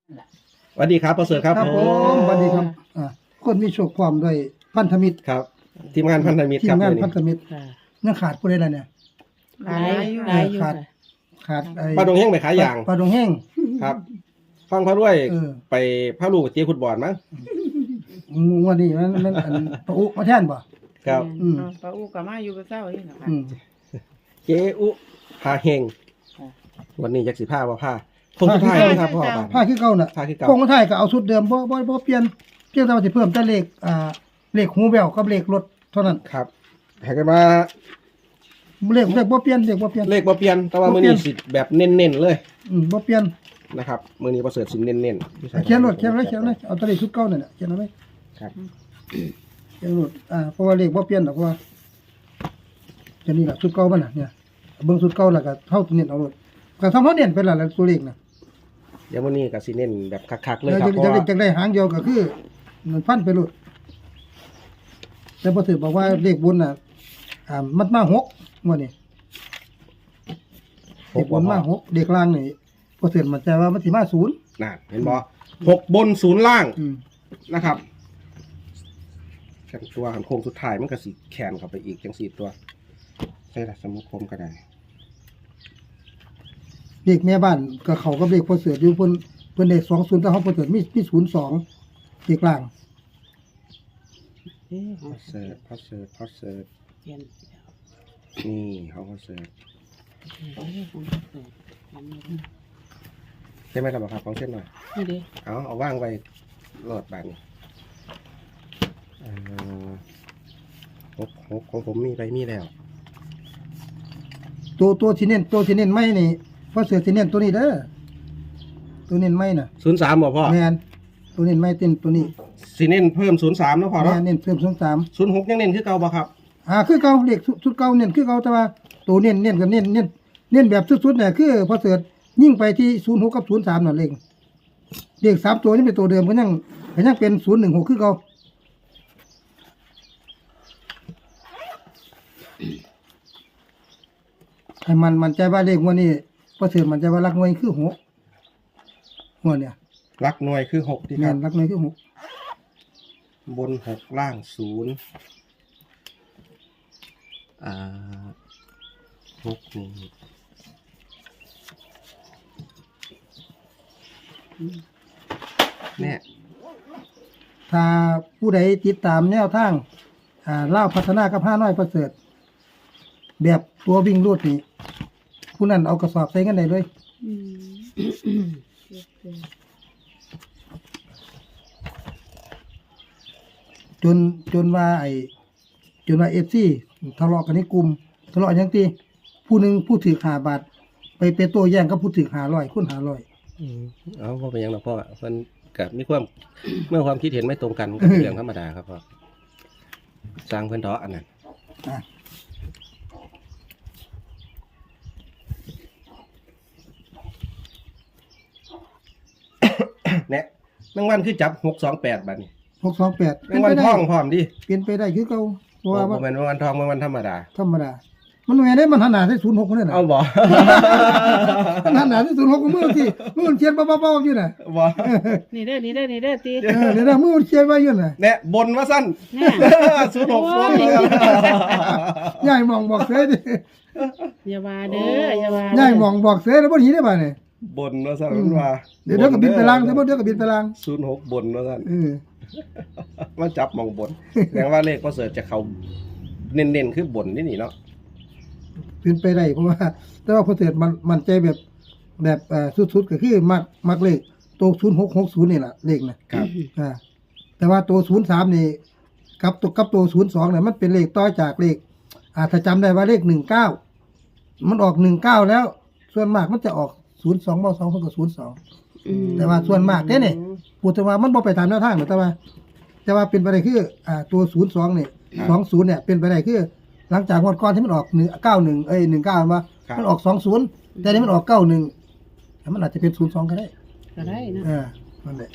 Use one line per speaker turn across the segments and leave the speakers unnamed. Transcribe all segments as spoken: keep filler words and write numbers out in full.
สวัสดีครับประเสริฐครับ
ครับผมสวัสดีครับอ่าคนมีโชคความด้วยพันธมิตร
ครับทีมงานพันธมิตร
ที
ครั
ม
บ
งาน
มื้อ
พันธมิตร
ค่ะ
ยังขาดผู้ใดล่ะเนี่ย
หลายหลายอยู่
ขาด
ค่ะ
ขาดไอ้
ปลาดงแห้งไปขายยาง
ปลาดงแห้ง
ครับ ฟังพระด้วย
เออ
ไปพระลูกเจี๊ยฟุตบอลมั้ง
งวดนี้มันมันอันปะอุมาแทนบ่
ครับ
อืม
เอาปลาอูกับมาอยู่กับเจ้านี่นะคะ
อืม
เจอุพาเฮง
ค่ะ
วันนี้ยักษ์สิผ้าว่าผ้าคงสุดท้ายไหมครับพ่อ
ผ้า
บ้าน
ผ้าคือเก่าน่ะ
ผ้าคือเก่า
คงไทยก็เอาชุดเดิมบ่บ่บ่เปลี่ยนเพียงแต่ว่าสิเพิ่มแต่เลขอ่าเลขหูแววกับเลขรถเท่านั้น
ครับให้กันมา
เลขเลขบ่เปลี่ยนเลขบ่เปลี่ยน
เลขบ่เปลี่ยนแต่ว่า
บ่
มื้อ
เปลี่
นี้
ยน
สิแบบเน้นๆเลย
อืมบ่เปลี่ยน
นะครับมื้อนี้ประเสริฐสิเน้นๆ
เขียนรถเขียนไว้เขียนไว้เอาแต่เลขชุดเก่านั่นน่ะเขียนเอาไว้
ครับ
เขียนรถอ่าเพราะว่าเลขบ่เปลี่ยนดอกเพราะว่าจะนี่ล่ะชุดเก่ามันน่ะเนี่ยเบิ่งชุดเก่าแล้วก็เฮาเน้นเอารถก็ทำเฮาเน้นไปแล้วล่ะตัวเลขน่ะ
เดี๋ยวมื้อนี้ก็สิเน้นแบบคักๆเลย
แล้ว
ครับ
จะ
เพราะ
จะ
ว่า
จะได้หางเดียวก็คือมันพันไปรถแต่พอถือบอกว่าเลขบนน่ะอ่ามันมาหกงวดนี้เลขบนมาหกเลขล่างนี่พอถือมันใจว่ามันสิมาศูนย์
น่ะเห็นบ่หกบนศูนย์ล่าง
อืม
นะครับแข่งตัวหันโค้งสุดท้ายมันก็สิแขนเข้าไปอีกจังสี่ตัวใช่ละสมุคมก็ได้
เลขแม่บ้านก็เขากับเลขพอเสืออยู่เพิ่นเพิ่นได้สองศูนย์แต่เขาพอเสือมีมีศูนย์สองเลขล่าง
เอ๊ะ
พอเสิร์ฟพอเสิร์ฟพอเสิร์ฟ
เปลี่ยน
นี่เขาพอเสิร์ฟ
เอ๊ะของเปิดอันนี้
ใช่ไหมครับครับของเส้นหน่อย
นี่ดิ
เอาเอาว่างไว้โหลดบานนี้อ่าหกหกของผมมีไปมีแล้ว
ตัวตัวที่เน้นตัวที่เน้นไม่นี่พอเสือที่เน้นตัวนี้เด้อตัวเน้นไม่น่ะ
ศูนย์สามบ่พ่อ
แม่นตัวเน้นไม่เต้นตัวนี้
สีเน้นเพิ่มศูนย์สามนะพ่อ
แม่
เนาะ
นเน้นเพิ่มสองสาม
ศูนย์หกยังเน้นคือเก่าบ่ครับ
อ่าคือเก่าเลขชุดชุดเก่าเน้นคือเก่าแต่ว่าตัวเน้นเน้นกับเน้นเน้นเน้นแบบสุดๆเนี่ยคือพอเสิร์ชยิ่งไปที่ศูนย์หกกับศูนย์สามนั่นเองเลขสามตัวนี้เป็นตัวเดิมก็ยังก็ยังเป็นศูนย์หนึ่งหกคือเก่าให้มันมันใจว่าเลขงวดนี้พอเสิร์ชมันใจว่ารักงวดนี้คือหกงวดเนี่ย
รักหน่วยคือหกที่ค
งา
รั
น
บ
รักงวดคือหก
บนหกล่างศูนย์อ่าหกนี่เนี่ย
ถ้าผู้ใดติดตามแนวทางอ่าเล่าวพัฒนากับห้าน้อยประเสริฐแบบตัววิ่งรูดนี่ผู้นั้นเอากระสอบใส่กันได้เลย
อืม
จนจนว่าไอ้จนว่าเอฟซีทะเลาะกันในกลุ่มทะเลาะอย่างที่ผู้หนึ่งผู้ถือหาบาท ไปเป็นตัวแย่งกับผู้ถือหาร้อยคุณหาร้อย
เอาพ่อเป็นหยังหรอพ่อมันกับมีความ เมื่อความคิดเห็นไม่ตรงกันก็เป็นเรื่องธรรมดาครับพ่อสร้างเพื่อนเถาะอันนั้น
อ่ะ
เนี่ยแมงวันคือจับหกสองแปดบาทนี่
หกสองแปด
แมงวันทองพร้อมดิ
เปลี่ยนไปได้คือเก่าเพราะ
ว่า
ว่า
เป็นแมงวันทองแมงวันธรรมดา
ธรรมดา มันไม่ได้มันหันหน้าใส่ศูนย์หกคนนี่นะ
เอาบ่
มันหันหน้าใส่ศูนย์หกมือที่มือมันเขียนเบาๆๆอยู่น่ะ
บ่
นี่เด้อนี่เด้อนี่เด้อตี
เออเดี๋ยวนะมือมันเขียนไว้อยู่น่ะ
เนี่ยบนว่าสั้น
เนี่ย
ศูนย์หก
โอ้
บน
ย
ยายมองบอกเสือดิ
อย่าว่าเด้ออย่าว่า
ย่ายมองบอกเสือแล้วบ่หนีได้บ่เนี่ย
บนว่าสั้นมันว่า
เดี๋ยวเดี๋ยวก็บินไปล่างเดี๋ยวเดี๋ยวก็บินไปล่าง
ศูนย์หกบนว่าสั้น
เออ
มาจับมองบนแสดงว่าเลขก็เสิร์ชจะเขาเน้นๆคือบนนี่นี่เนาะ
เป็นไปได้เพราะว่า แต่ว่าพอเสร็จมันมันใจแบบแบบเอ่อสุดๆก็คือมักมักเลขตัวศูนย์หกหกศูนย์นี่แหละเลขนะครับ อ่าแต่ว่าตัวศูนย์สามนี่กับตัวกับตัวศูนย์สองเนี่ยมันเป็นเลขต่อจากเลขอ่าถ้าจำได้ว่าเลขหนึ่งเก้ามันออกหนึ่งเก้าแล้ว ส่วนมากมันจะออกศูนย์สองบ่สองเท่ากับศูนย์สอง
อืม
แต่ว่าส่วนมากเด้เนี่ยพูดแต่ว่ามันบ่ไปตามแนวทางหรอกแต่ว่า แต่ว่าเป็นไปได้คืออ่าตัวศูนย์สองเนี่ยสองศูนย์เนี่ยเป็นไปได้คือ หลังจากงวดก่อนที่มันออกหนึ่งเก้าหนึ่งเอ้ยหนึ่งเก้าว่ามันออกสองศูนย์แต่นี่มันออกเก้าหนึ่งมันอาจจะเป็นศูนย์สองก็ได้
ก็ได้นะ
เออนั่นแหละ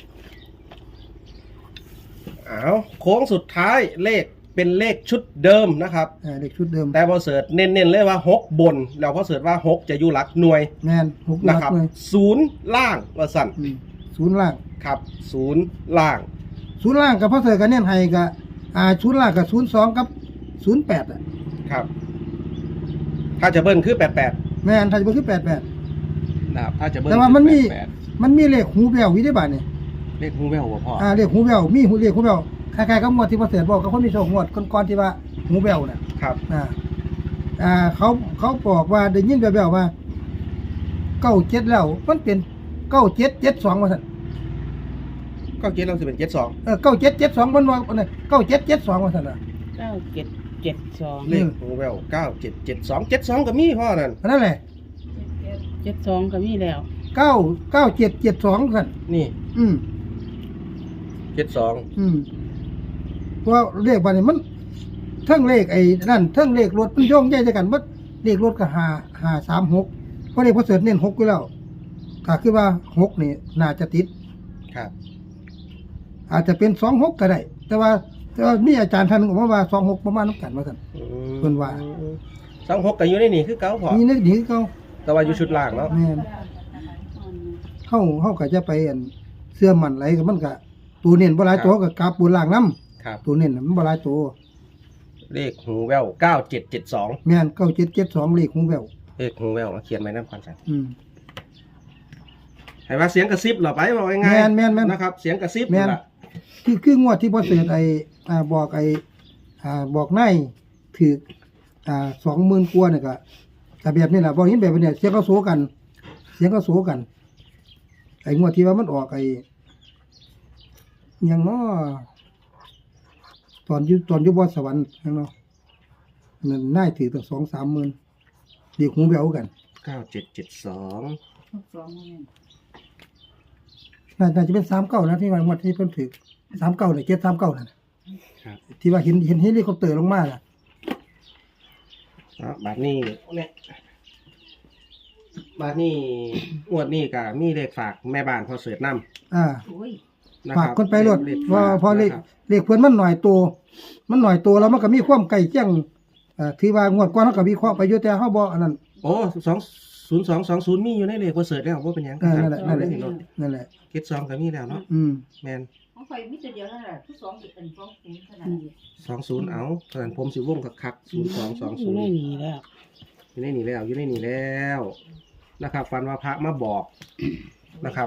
เอาโค้งสุดท้ายเลขเป็นเลขชุดเดิมนะครับ
เออเด็กชุดเดิม
แต่พอเสิร์ชเน้นๆเลยว่าหกบน แล้วพอเสิร์ชว่าหกจะอยู่หลักหน่วย
แมนหกห
นะ
ลัก
ครับ
เลย
ศูนย์ล่างว่าสั่น
อืมศูนย์ล่าง
ครับศูนย์ล่าง
ศูนย์ล่างกับพ่อเสือกันเน้นให้กับอ่าศูนย์ล่างกับศูนย์สองกับศูนย์แปดอ่ะ
ครับ ถ้าจะเบิ้ลคือแปดแปด
แม่นไทยบ่คือแปดแปด
นะครับถ้าจะเบิ้ล
แต่ว่ามันมี
คือแปดแปด
มันมีเลขหูแววอยู่ในบ้านนี่
เลขหูแววบ่พ่อ
อ่าเลขหูแววมีหูเลขหูแววคล้ายๆกับงวดที่พ่อเสือบอกกับคนมีโชคงวดก่อนๆที่ว่าหูแววน่ะ
ครับ
อ่าอ่าเขาเขาบอกว่าได้ยินแววๆว่าเก้าเจ็ดแล้วมันเป็นเก้าเจ็ดเจ็ดสองว่าซั่น
ก็เจ็ดเราจะเป็นเจ็ดสอง
เออเก้าเจ็ดเจ็ดสองมันว่าอันนั้นเก้าเจ็ดเจ็ดสองว่าซั่นน่ะ
เก้าเจ็ดเจ็ดสอง
เลขหูแววเก้าเจ็ดเจ็ดสองเจ็ดสองก็มีพ่อนั่น
อันนั้นแหละ
เจ็ดสองก็มีแล้ว
เก้าเก้าเจ็ดเจ็ดสองซั่น
นี่
อืม
เจ็ดสอง
อืมเพราะว่าเลขบ้านนี้มันเทั้งเลขไอ้นั่นเทั้งเลขรถมันโยงใหญ่ด้วยกันว่าเลขรถก็ห้าห้าสามหกเพราะเลขพอเสริฐเน้นหกอยู่แล้วก็คือว่าหกนี่น่าจะติด
ครับ
อาจจะเป็นสองหกก็ได้ แต่ว่าแต่ว่ามีอาจารย์ท่านหนึงบอกว่าสองหกประมาณน้ำกันว่ากัน
อืม
เพิ่นว่า
สองหกก็อยู่ในนี่คือเก้าพ่อ
มีนึกดีเขา
แต่ว่าอยู่ชุดล่างเนาะ
แม่นเข้าเข้าก็จะไปอันเสื้อมันไหลกับมันก็ตัวเน้นบ่หลายตัวก็กราบบนล่างน้ำ
ครับ
ตัวเน้นน่ะมันบ่หลายตัว
เลขหูแววเก้าเจ็ดเจ็ดสอง
แม่นเก้าเจ็ดเจ็ดสองเลขของแวว
เลขหูแววเขียนไว้นั่นความสัน
อืม
ให้ว่าเสียงกระซิบเหรอไปบอกง่ายๆ
แม่นแม่นแม่น
นะครับ เสียงกระซิบ
แม่น
ล่ะ
ที่คืองวดที่พ่อเสด็จไอ้อ่าบอกไอ้อ่าบอกนายถืออ่าสองหมื่นกว่าเนี่ยก็แต่แบบนี้แหละบอกนี้แบบนี้เสียงก็โซกัน เสียงก็โซกัน ไอ้งวดที่ว่ามันออกไอ้หยังเนาะตอนอยู่ตอนอยู่บนสวรรค์หยังเนาะนั่นนายถือตั้งสองสามหมื่นเดี๋ยวหูแววกัน
เก้าเจ็ดเจ็ดสอง
น่าน่าจะเป็นสามเก้านะที่ว่างวดที่เพิ่นถือสามเก้าเนี่ยเจ็ดสามเก้านั่นน่ะ
ครับ
ที่ว่าเห็นเห็นเฮลิคอปเตอร์ลงมาน่ะ
อ่ะบาทนี้เนี่ยบาทนี้งวดนี้ก็มีเลขฝากแม่บ้านพอเสือน้ำ
อ่า
นะ
ฝาก
รับ
คนไปรถ
เลข
เพราะ
ฝาก
เพอเลข
นะครับ
เลขเพื่อนมันหน่อยตัวมันหน่อยตัวแล้วมันก็มีความใกล้เคียงเอ่อที่ว่างวดก่อนเขาก็วิเคราะห์ไปอยู่แต่เฮาบ่อันนั้น
โอ้สองศูนย์สองสองศูนย์มีอยู่ในเลขพอเสือแล้วว่าเป็นหยัง
เออนั่นแหละนั่นแหละ
รถ
นั่นแหละ
เจ็ดสองก็มีแล้วเนาะ
อืม
แมน
ของข่อยมีตัวเดียวนั่นแหละทุกสองเป็นสองศูนย์ขนาดนี้
สองศูนย์เอาขนาดผมสิวงคักๆศูนย์สองสอง
อ
ศู
ยู่
น
ใน
ย์
นี้แล้ว
อยู่ในนี่แล้วอยู่ในนี่แล้วนะครับฟันว่าพระมาบอกนะครับ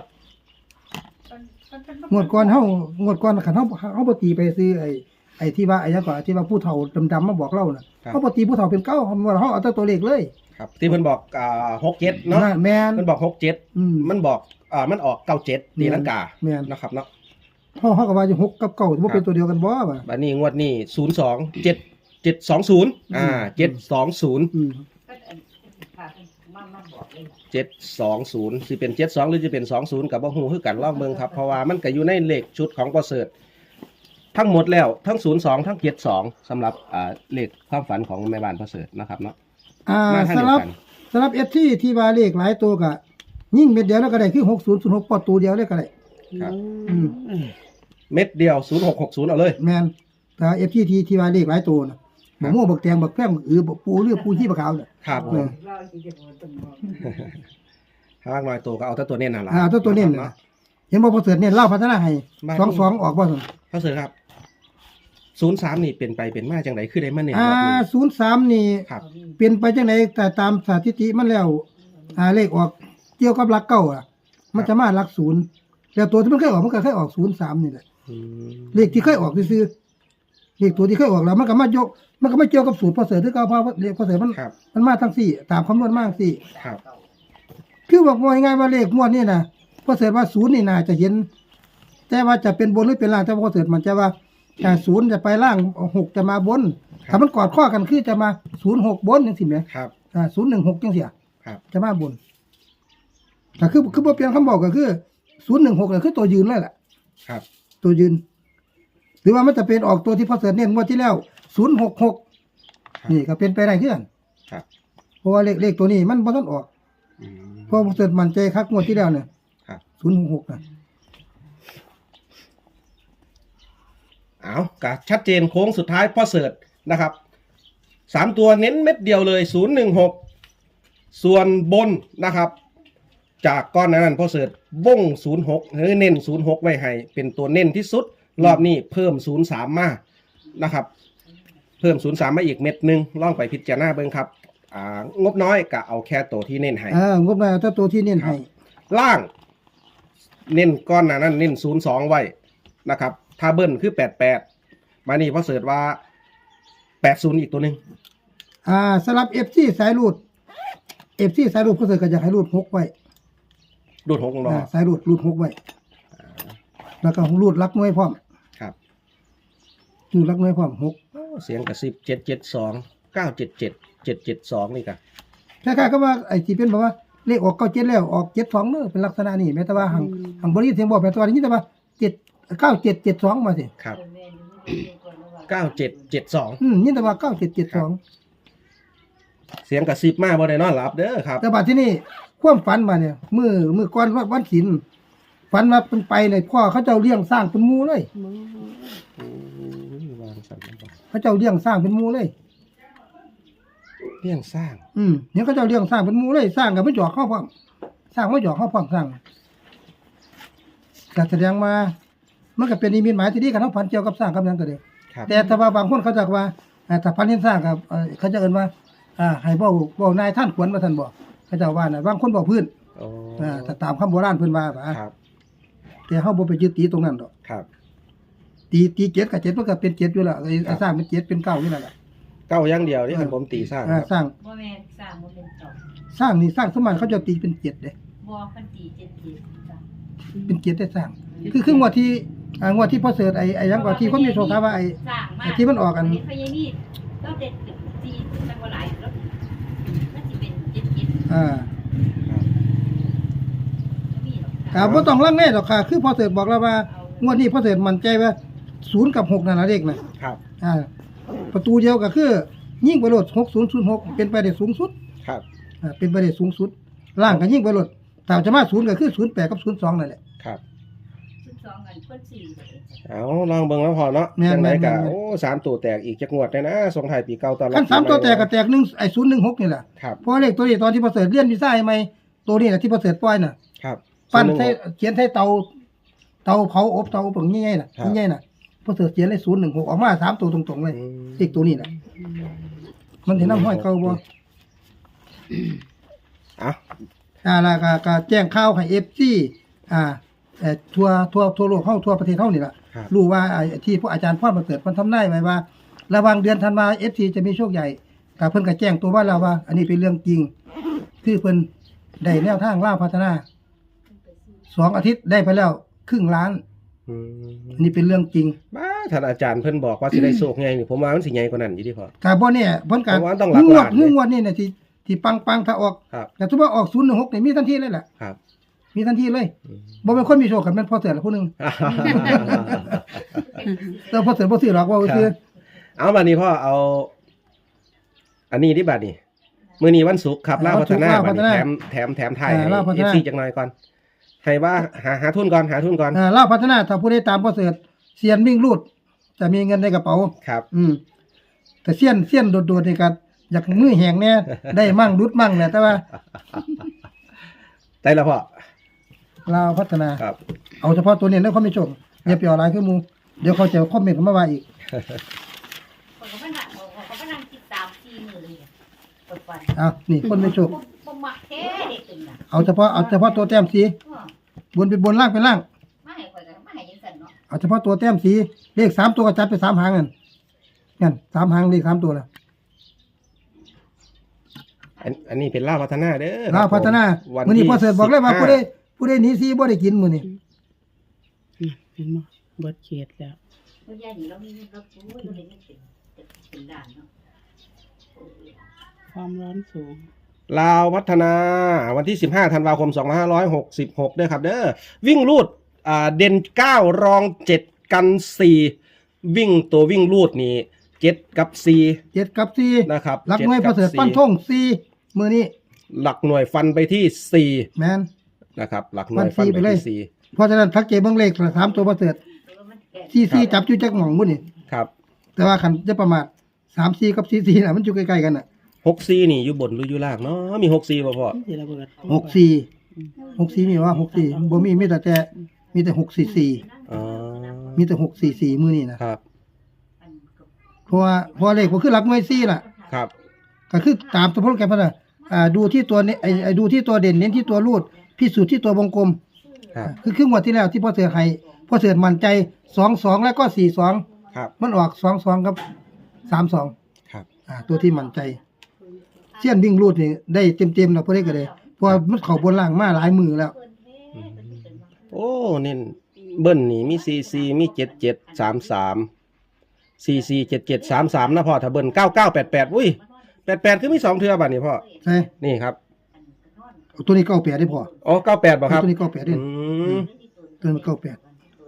งวดก่อนเฮางวดก่อนคันเฮาเฮาบ่ตีไปซื้อไอ้ไอ้ที่ว่าไอ้หยังก็ที่ว่าผู้เฒ่าดำๆมาบอกเราน่ะ
ครับ
เฮาบ่ตีผู้เฒ่าเป็นเก้าเฮาว่าเฮาเอาแต่ตัวเลขเลย
ครับ ที่เพิ่นบอกอ่าหกเจ็ดเนาะ
น่ะแม่น
เพิ่นบอกหกเจ็ด
อืม
มันบอกอ่ามันออกเก้าเจ็ดตีลังกา
แม่น
นะครับเนาะ
เฮาเฮาก็ว่าอยู่หกกับเก้าบ่เป็นตัวเดียวกันบ่ว่า
บัดนี้งวดนี้ศูนย์สองเจ็ดเจ็ดสองศูนย์อ่าเจ็ดสองศูนย์
อืม
ก็อันค่ะมามาบอกเลย
เจ็ดสองศูนย์สิเป็นเจ็ดสองหรือจะเป็นสองศูนย์กับบ่ฮู้คือกันลองเบิ่งครับเพราะว่ามันก็อยู่ในเลขชุดของประเสริฐทั้งหมดแล้วทั้งศูนย์สองทั้งเจ็ดสองสำหรับอ่าเลขความฝันของแม่บ้านประเสริฐนะครับเนาะ
อ่า
มาทาง
สำ
เดี
ห
ย
รั
ว
บ
กัน
สำหรับ เอส ที ที่ว่าเลขหลายตัวก็ยิ่งเม็ดเดียวแล้วก็ได้คือหกศูนย์ศูนย์หกปอตัวเดียวเลยก็ได้
ครับ
อืม
เม็ดเดียวศูนย์หกหกศูนย์เอาเลย
แม่นแต่ เอฟ ที ที่ที่ว่าเลขหลายตัวน่ะบักม่วงบักแตงบักแป้งบักอือบักปูหรือปูชีบักขาวน่ะ
ครับ
เออ
เราที่จะบอกต้องบอก
ถ้ามากน้อยตัวก็เอาแต่ตัวเน้นนั่นแหละ
อ่าตัวตัวเน้นน่ะเห็นบ่พอเสริฐเนี่ยเล่าพัฒนาให้
บ้าน
สองสองออกบ่ซั่น
ประเสริฐครับศูนย์สามนี่เป็นไปเป็นมาจังไดคือได้มาเน้น
อ่าร
อบนี้
ศูนย์สามนี่
ครับ
เป็นไปจังไดแต่ตามสถิติมันแล้วอ่าเลขออกเกี่ยวกับหลักเก้าอ่ะ มันจะมาหลักศูนย์แล้วตัวที่มันเคยออกมันก็เคยออกศูนย์สามนี่แหละ
อืม
เลขที่เคยออกซื่อๆเลขตัวที่เคยออกแล้วมันก็มายก มันก็ไม่เกี่ยวกับสูตรพอเสริฐที่เก่าเพราะว่าเลขพอเสริฐมัน
ครับ
มันมาทั้งสี่ตามคำนวณมาทั้งสี่
ครับ
คือบอกว่าง่ายๆว่าเลขงวดนี่นะพอเสริฐว่าศูนย์นี่น่าจะเห็น แต่ว่าจะเป็นบนหรือเป็นล่างแต่พอเสริฐมันจะว่าแต่ศูนย์จะไปล่างหกจะมาบนถ้ามันกอดข้อกันคือจะมาศูนย์หกบนจังสิแหม
ครับ
อ่าศูนย์หนึ่งหกจังเสีย
ครับ
จะมาบนแต่คือคือบ่เปลี่ยนคำบอกก็คือศูนย์หนึ่งหกเนี่ยคือตัวยืนเลยแหละ
ครับ
ตัวยืน หรือว่ามันจะเป็นออกตัวที่พอเสริฐเน้นงวดที่แล้วศูนย์หกหก
ครับ
นี่ก็เป็นไปได้คือกัน
ครับ
เพราะว่าเลขเลขตัวนี้มันบ่ทันออก
อืม
เพราะพอเสริฐมั่นใจคักงวดที่แล้วเนี่ย
ครับ
ศูนย์หกหกนะ
เอากะชัดเจนโค้งสุดท้ายพ่อเสิร์ชนะครับสามตัวเน้นเม็ดเดียวเลยศูนย์หนึ่งหกส่วนบนนะครับจากก้อนนั้นพ่อเสิร์ชบ้งศูนย์หกหรือเน้นศูนย์หกไว้ให้เป็นตัวเน้นที่สุดรอบนี้เพิ่มศูนย์สามมานะครับเพิ่มศูนย์สามมาอีกเม็ดหนึ่งลองไปพิจารณาเบิ่งครับอ่างบน้อยก็เอาแค่ตัวที่เน้นให้
อ่างบมาถ้าตัวที่เน้นให้
ล่างเน้นก้อนหนานั้นเน้นศูนย์สองไว้นะครับถ้าเบิ้ลคือแปดแปดมานี่พ่อเสิร์ชว่าแปดศูนย์อีกตัวหนึ่ง
อ่าสำหรับ เอฟ ซี สายรูด เอฟ ซี สายรูดเขาเสก็อยากให้รูดหกไว้
ดูดหกของเรา
อ่าสายรูดรูดหกไว้แล้วก็รูดลักน้อยพร้อม
ครับ
รูดลักน้อยพร้อมหก
เสียงกระซิบเจ็ดเจ็ดสองเก้าเจ็ดเจ็ดเจ็ดเจ็ดสองนี่กัน
คล้ายๆก็ว่าไอ้ที่เป็นแบบว่าเลขออกเก้าเจ็ดแล้วออกเจ็ดสองเนอะเป็นลักษณะนี้แม้แต่ว่าหังหังบริเสียงบอกแม้แต่ว่าอย่างนี้แต่ว่าเจ็ดเก้าเจ็ดเจ็ดสองมาสิ
ครับ
แม่ดูดูก่อนนะว่า
เก้าเจ็ดเจ็ดสอง
อืมนี่แต่ว่าเก้าเจ็ดเจ็ดสอง
เสียงกระซิบมากบ่ได้นอนหลับเด้อครับ
แต่บัดที่นี่ความฝันมาเนี่ยมือมือก้อนวัดวันศิลป์ฝันว่าเป็นไปเลยพ่อเขาเจ้าเลี้ยงสร้างเป็นหมูเลย
อืมวางสันบ่
เขาเจ้าเลี้ยงสร้างเป็นหมูเลย
เรื่องสร้าง
อืมเนี่ยเขาเจ้าเลี้ยงสร้างเป็นหมูเลยสร้างกับไม่หยอกเข้าพร้อมสร้างไม่หยอกเข้าพร้อมสร้างก็แสดงมามันก็เป็นนิมิตหมายที่ดีกันทั้งพันเกี่ยวกับสร้างกับหยังก็ได้
ครับ
แต่ถ้าว่าบางคนเขาจะว่าอ่าถ้าพันเห็นสร้างกับเอ่อเขาจะเอิ้นว่า อ่าให้เว้าเว้านายท่านควรว่าท่านบอกเขาเจะว่าน่ะบางคนบอกพื้น
โอ้
อ่าถ้าตามคำโบราณเพิ่นว่าว่า
ครับ
แต่เฮาบ่ไปยึดตีตรงนั้นดอก
ครับ
ตีตีเจ็ดกับเจ็ดมันก็เป็นเจ็ดอยู่แล้วไอ้ไอ้สร้างเป็นเจ็ดเป็นเก้าอยู่นั่นแหละ
เก้าอย่างเดียวนี่คันผมตีสร้าง
อ่า
ครับ
สร้าง
บ่แม่นสร้างบ่เป็นเจ้า
สร้างนี่สร้างสมานเขาจะตีเป็นเจ็ดเด้
บ่เพิ่นตีเจ็ดทีจ้ะ
เป็นเจ็ดได้สร้าง คือคืองวดที่อ่างวดที่พ่อเสิร์ชไอ้ไอ้หยังกว่าที่คนมีโชคถามว่าไอ้
สร้างมา
ไอ้ที่มันออกกัน
เห็นพญานีเราเด็ดตีมันบ่หลายแล้วมันสิเป็นเจ็ดเจ็ด
อ่า
บ่มีหรอก
อ่าบ่ต้องลังเลดอกค่ะ คือพ่อเสิร์ชบอกแล้วว่างวดนี้พ่อเสิร์ชมั่นใจว่าศูนย์กับหกนั่นน่ะเลขน่ะ
ครับ
อ่า ประตูเดียวก็คือยิ่งไปโลดหกศูนย์ศูนย์หกเป็นไปได้สูงสุด
ครับ
อ่าเป็นไปได้สูงสุดล่างก็ยิ่งไปโลดถ้าจะมาศูนย์ก็คือศูนย์แปดกับศูนย์สองนั่นแหละ
ครับ
สิบสองอันเพิ่นสี่เลยจ้ะ
เอาลองเบิ่งแล้วพอเนาะ
แม่น
จังได
แม่
ก็
นแม่น
โอ้สามตัวแตกอีกจักงวดได้นะส่งท้ายปีเก่าตอนรับ
คันสาม
ปีให
ตัวแตกก็แตกหนึ่งไอ้ศูนย์หนึ่งหกนี่แหละ
ครับ
เพราะเลขตัวนี้ตอนที่ประเสริฐเรียนวีซ่าใหม่ตัวนี้แหละที่ประเสริฐปล่อยน่ะ
ครับ
ปั้น
ศูย์ห
ใส่
งหก
เขียนใส่เตาเตาเผาอบเตาอบอย่างงี้ๆน่ะ
ครับ
งี้ๆน่ะประเสริฐเขียนเลยศูนย์หนึ่งหกออกมาสามตัวตรงๆเลย
อืม
เลขตัวนี้น่ะมันสินำห้อยเก่าบ่
อ่ะ
อ่าแล้วก็ก็แจ้งข่าวให้ เอฟ ซี อ่าเอ่อทั่วทั่วทั่วโลกเฮาทั่วประเทศเฮานี่ล่ะ
ครับ
รู้ว่าไอ้ที่พวกอาจารย์พ่อประเสริฐเพิ่นทำนายไว้ว่า ระหว่างเดือนธันวา เอฟ ซี จะมีโชคใหญ่ก็เพิ่นก็แจ้งตัวว่าแล้วว่า อันนี้เป็นเรื่องจริง คือเพิ่นได้แนวทางล่าวพัฒนาสองอาทิตย์ได้ไปแล้วครึ่งล้าน
อืม
อันนี้เป็นเรื่องจริง
บ้าท่านอาจารย์เพิ่นบอกว่าสิได้โชคไงนี่ผมว่ามันสิใหญ่กว่านั้นอยู่ดิพ่อ
ก็บ่แน่เพิ่นก็
เพราะว่าต้องหลัก
งวด
ล้านเลย
งวดนี่น่ะที่ที่ปังๆถ้าออก
ครับ
แต่ถ้าว่าออกศูนย์หนึ่งหกนี่มีทันทีเลยล่ะ
ครับ
มีทันทีเลย
อืม
บ่เป็นคนมีโชคกันแม่นพอเสือละผู้หนึงแต่พอเสือบ่ซื้อหรอกว่าซื้อ
เอาบัดนี้พ่อเอา อันนี้ที่บัดนี้มื้อนี้วันศุกร์ครับลาวพัฒนาบัดนี้แถมแถมแถมไทยให้ เอฟ ซี จักหน่อยก่อนให้ว่าหาหาทุนก่อนหาทุนก่อน
อ่าลาวพัฒนาถ้าผู้ใดตามพอเสือเซียนวิ่งรูด จะมีเงินในกระเป๋า
ครับ
อืมแต่เซียนเซียนโดดๆนี่ก็อยากมือแห้งแน่ ได้มั่งรุดมั่งแหละแต่ว่า
ได้แล้วพ่อ
ลาวพัฒนา
ครับ
เอาเฉพาะตัวนี้แล้วเขาไม่ชมอย่าไปเอาหลายคือหมู่เดี๋ยวเขาจะคอมเมนต์มาว่าอีก
คนก็มานั่งเขาก็มานั่งติดตามสี่มื้อเลยเปิดฟัน
อ้าวนี่คนไม่ชม
บ่บ่มักแท้เด็กตึงน่ะ
เอาเฉพาะเอาเฉพาะตัวแต้มสี
เออบ
นเป็นบนล่างเป็นล่าง
มาให้ข่อยก็มาให้จังซั่นเนาะ
เอาเฉพาะตัวแต้มสีเลขสามตัวก็จัดไปสามหางนั่นนั่นสามหางเลขสามตัวน่ะ
อันอันนี้เป็นลาวพัฒนาเด้อ
ลาวพัฒนา
วัน
มื้อนี้
ที่
พอเสิร์ชบอกเลยว่า
สิบห้
ผู้ใดผู้ใดหนีซีบ่ได้กินมื้อนี้
อืมเห็นบ่เบิดเขตแล้ว
เมื่อยายนี่เรามีเงินเราโอ้ยเราได้เงินเป็นเป็นล้านเนาะโอ้ย
ความร้อนสูง
ลาวพัฒนาวันที่สิบห้าธันวาคมสองพันห้าร้อยหกสิบหกเด้อครับเด้อวิ่งรูดอ่าเด่นเก้ารองเจ็ดกันสี่วิ่งตัววิ่งรูดนี่เจ็ดกับสี่
เจ็ดกับสี่
นะครับ
หลักหน่วยพอเสิร์ชปั้นทงสี่มื้อนี้
หลักหน่วยฟันไปที่สี่
แม่น
นะครับหลักหน่วย
ฟั
ฟัน
นสี่
ไป
ไปเลย
ที่สี่
เพราะฉะนั้นทักเจเบิ่งเลขสามตัวพอเสิร์ช
แต่ว่ามันแก่
สี่สี่จับอยู่จักหม่องมื้อนี้
ครับ
แต่ว่าคันจะประมาทสามสี่กับสี่สี่น่ะมันอยู่ใกล้ๆกันน่ะ
หกสี่นี่อยู่บนหรืออยู่ล่างเนาะมีหกสี่ป่ะพ่อ
นี่สิระเบิด
หกสี่หกสี่มีว่าหกสี่บ่มีมีแต่แต่มีแต่หกสี่สี่
อ๋อ
มีแต่หกสี่สี่มื้อนี้นะครับ เพราะว่าเพราะว่าเลขบ่คือหลักหน่วยสี่ล่ะ
ครับ
ก็คือตามตัวโปรแกรมเพิ่นน่ะอ่าดูที่ตัวเนไอ้ไอ้ดูที่ตัวเด่นเน้นที่ตัวรูดพิสูจน์ที่ตัววงกลม
ครับ
คือครึ่งงวดที่แล้วที่พ่อเสือให้พ่อเสือมั่นใจสองสองแล้วก็สี่สอง
ครับ
มันออกสองสองกับสามสอง
ครับ
อ่าตัวที่มั่นใจเสี้ยนวิ่งรูดนี่ได้เต็มๆแล้วพอได้ก็ได้เพราะว่ามันเข้าบนล่างมาหลายมือแล้ว
โอ้เน้นเบิ้ลนี่มีซีซีมีเจ็ดเจ็ดสามสามซีซีเจ็ดเจ็ดสามสามนะพ่อถ้าเบิ้ลเก้าเก้าแปดแปดอุ้ยแปดแปดคือมีสองเทือบัดนี้พ่อ
ใช่
นี่ครับ
เอาตัวนี้เก้าแปดได้พอ
อ๋อเก้าแปดบ่ครับ
ตัวนี้เก้าแปดได้
อืม
ตัวนี้เก้าแปด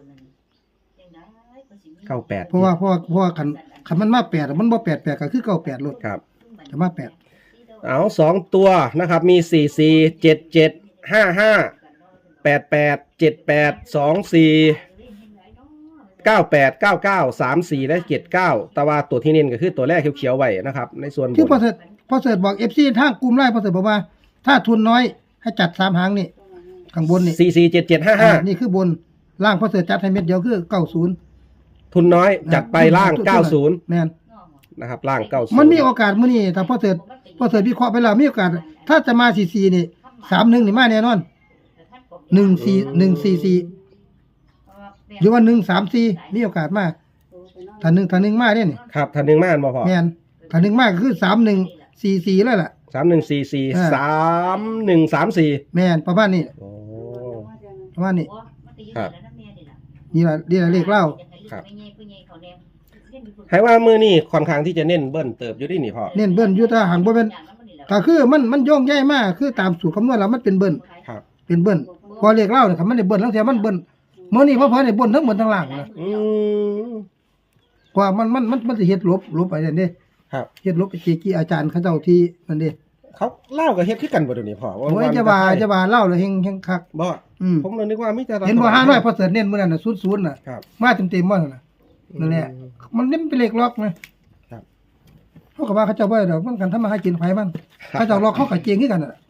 เก้าแปด
เพราะว่าเพราะว่าเพราะว่าคันคันมันมาแปดอะมันบ่แปดแปดก็คือเก้าแปดลด
ครับ
แต่มาแปด
เอาสองตัวนะครับ มีสี่สี่เจ็ดเจ็ดห้าห้าแปดแปดเจ็ดแปดสองสี่เก้าแปดเก้าเก้าสามสี่และเจ็ดเก้าแต่ว่าตัวที่เน้นก็คือตัวแรกเขียวๆไว้นะครับ ในส่วนบ
คือน พอเสร็จพอเสร็จบอก เอฟ ซี ทางกลุ่มไลน์พอเสร็จบอกว่า ถ้าทุนน้อยให้จัดสามหางนี่ข้างบนนี่
สี่สี่เจ็ดเจ็ดห้าห้า
อ่านี่คือบนล่างพอเสร็จจัดให้เม็ดเดียวคือเก้าศูนย์
ทุนน้อยจัดไปล่างเก้าศูนย์
แม่น
นะครับล่างเก้าศูนย์
มันมีโอกาสมื้อนี้ถ้าพอเสร็จพอเสร็จวิเคราะห์ไปแล้วมีโอกาส ถ้าจะมาสี่สี่นี่สามหนึ่งนี่มาแน่นอนหนึ่งสี่หนึ่งสี่สี่หรือว่าหนึ่งสามสี่มีโอกาสมาถ้าหนึ่งถ้าหนึ่งมาเนี่ยนี่
ครับทันหนึ่งม่านบ่พอ
แม่นถ้าหนึ่งมาก็คือสามหนึ่งสี่สี่แล้วล่ะ
สามหนึ่งสี่สี่
อ่า
สามหนึ่งสามสี่
แม่นประมาณนี้
โอ้
ประมาณนี้
ครับ
นี่ล่ะนี่ล่ะเลขเล่า
ครับ ให้ว่ามือนี่ค่อนข้างที่จะเน้นเบิ้ลเติบอยู่ที่นี่พ่อ
เน้นเบิ้ลอยู่ถ้าหันบ่เป็นก็คือมันมันโยงใหญ่มากคือตามสูตรคำนวณแล้วมันเป็นเบิ้ล
ครับ
เป็นเบิ้ลพอเลขเล่าเนี่ยครับมันได้เบิ้ลทั้งเสียมันเบิ้ลมื้อนี้พอพอได้เบิ้ลทั้งบนทั้งล่างนะ
อืม
เพราะว่ามันมันมันมันสิเฮ็ดลบลบไปนั่นเด้
ครับ
เฮ็ดลบไปเจกี้อาจารย์เขาเจ้าที่นั่นเด้
เขาเล่ากับเฮ็ดคือกันบ่เดี๋ยวนี้พ่อ
โอ้ยจะว่าจะว่าเล่าแล้วเฮงเฮงคัก
บ่
อืม
ผมเลยนึกว่ามิจะ
เห็นบ่ห้าน้อยพอเสิร์ชเน้นมื้อนั้นน่ะศูนย์ศูนย์น่ะ
ครับ
มาเต็มๆบ่นั่นน่ะนั่นแหละมันเน้นเป็นเลขล็อกนะครับ เขาก็ว่าเขาเจ้าบ่ได้ดอกมันกันทำมาหากินไผมันเขาเจ้าล็อกเขาก็เจงคือกันน่ะ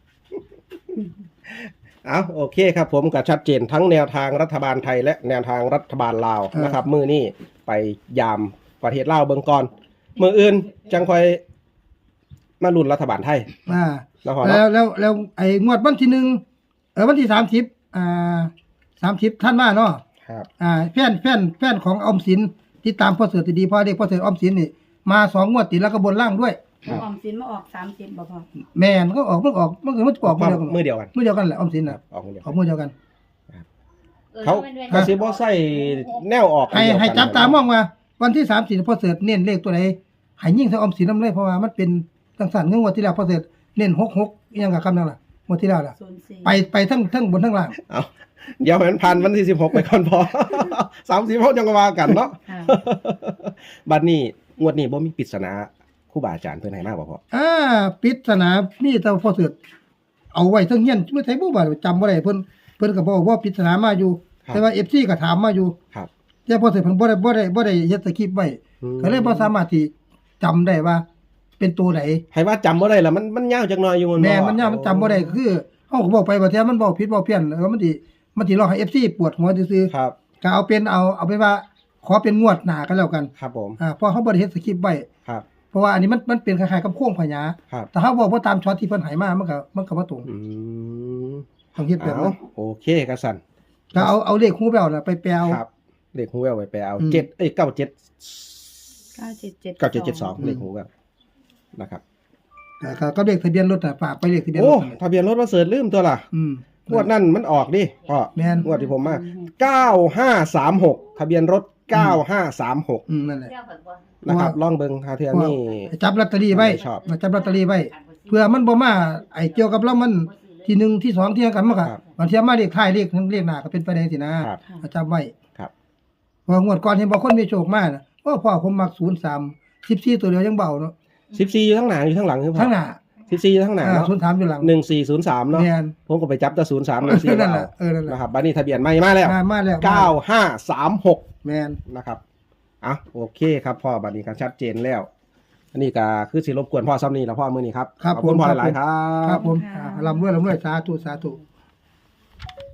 เอาโอเคครับผมก็ชัดเจนทั้งแนวทางรัฐบาลไทยและแนวทางรัฐบาลลาวนะครับ มือนี้ไปยามประเทศลาวเบิ่งก่อนมืออื่นจังค่อยมาลุ้นรัฐบาลไทย
อ่า
แล้วพอ
แล้
เนาะ
วแล้วแล้วไอ้งวดวันที่หนึ่งเออวันที่สามสิบอ่าสามสิบท่านมาเนาะ
ครับ
อ่าแฟนแฟนแฟนของออมสินที่ตามพ่อเสือดีๆพ่อเด็กพ่อเสือออมสินนี่มาสองงวดติดแล้วก็บนล่างด้วย
ออมสินมาออกสามสิบบ่พอ
แม่นก็ออกมันก็ออกมันก็มันจะออกมือเดียวกัน
มือเดียวกัน
มือเดียวกันแหละออมสินน่ะ
ออกมือเดียว
ออกมือเดียวกัน
เขาเขาสิบ่ใส่แนวออก
ให้
เดียวกัน
ให้จับตามองว่าวันที่สามสิบพ่อเสือเน้นเลขตัวไหนให้ยิ่งใส่ออมสินน้ำเลยเพราะว่ามันเป็นจังสันเงื่อนงวดที่แล้วพ่อเสือเน้นหกหกอิหยังกับคำนั้นล่ะงวดที่แล้วล่ะ
ศูนย์สี่
ไปไปทั้งทั้งบนทั้งล่าง
เอาเดี๋ยวให้มันพันวันที่สิบหกไปก่อนพอ สามสิบหกจังก็ว่ากันเนาะ
ค่ะ
บัดนี้งวดนี้บ่มีปริศนาครูบาอาจารย์เพิ่นให้มาบ่พอ
อ่าปริศนามีแต่พ่อเสือเอาไว้ทั้งเฮียนเมื่อไทยบ่ว่าจำบ่ได้เพิ่นเพิ่นก็บอกว่าปริศนามาอยู่ แต่ว่า เอฟ ซี ก็ถามมาอยู่
ครับ
แต่พ่อเสือเพิ่นบ่ได้บ่ได้บ่ได้เฮ็ดสคริปต์ไว้
อืม
ก็เลยบ่สามารถที่จำได้ว่าเป็นตัวไหน
ให้ว่าจำบ่ได้ล่ะมันมันยาวจักหน่อยอยู่
แม่มันยากมันจำบ่ได้คือเฮาก็บอกไปว่าแท้มันเว้าผิดเว้าเพี้ยนแล้วมันสิมันสิรอให้ เอฟ ซี ปวดหัวซื่อ
ครับ
ๆก็เอาเป็นเอาเอาเป็นว่าขอเป็นงวดหน้ากันแล้วกัน
ครับผม
อ่าเพราะเขาบ่ได้เฮ็ดสคริปต์ไว้
ครับ
เพราะว่าอันนี้มันมันเป็นคล้ายๆกับโค้งพญา
ครับ
แต่ถ้าบอกว่าตามช็อตที่เพิ่นให้มามันก็มันก็บ่ตรง
อืม
ต้องเฮ็ดแบบ
เอา
นั้น
โอเคกระสัน
ก็เอาเอาเลขฮู้แววน่ะไปแปลเอา
ครับเลขหูแววไปไปเอา
อืม
เจ็ดเอ้ยเก้าเจ็ด
เก้าเจ็ดเจ็ด
เก้าเจ็ดเจ็ดสองเลขหูแววนะครับ
ก็ก็ก็เลขทะเบียนรถน่ะฝากไปเลขทะเบียนร
โอ้
ถน่ะ
ทะเบียนรถมาเสิร์ชลืมตัวล่ะ
อืม
งวดนั่นมันออกดิพ่อ
แม่น
งวดที่ผมมาเก้าห้าสามหกทะเบียนรถเก้าห้าสามหก
อืมนั่นแหละ
นะครับลองเบิ่งหาเทื่อนี่
จับลอตเตอรี่ไว้
ชอบ
จับลอตเตอรี่ไว้เพื่อมันบ่มาไอ้เกี่ยวกับเรามันที่หนึ่งที่สองที่กันมันก็
ครับ
บางเทียมาเลขท้ายเลขเลขหน้าก็เป็นไปได้สินะครับ จับไว้
ครับ
เพองวดก่อนเห็นบ่คนมีโชคมาน่ะโอ้พ่อผมมักศูนย์สาม สิบสี่ตัวเดียวยังเบาเนาะ
สิบสี่อยู่ทั้งหน้าอยู่ทั้งหลังคือพ่อ
ทั้งหน้า
สิบสี่อยู่ทั้งหน้า
อ่า
เนาะ
ศูนย์สามอยู่หลัง
หนึ่งสี่ศูนย์สามเนาะ
แม่น
ผมก็ไปจับแต่ศูนย์สามหนึ่งสี่
นั่นแหละเออนั่นแหละ
นะครับบัดนี้ทะเบียนใหม่มาแล้ว
มามาแล้ว
เก้าห้าสามหก
แม่น
นะครับอ่ะโอเคครับพ่อบัดนี้ก็ชัดเจนแล้ว อันนี้ก็คือสิรบกวนพ่อซ้ำนี่แล้วพ่อมื้อนี้ครับ
ครับ
ขอบคุณ
ผม
พ่อ
ครับ
หลายๆครั
ครับ บผมอ่าร่ำรวยร่ำรวยสาธุสาธุ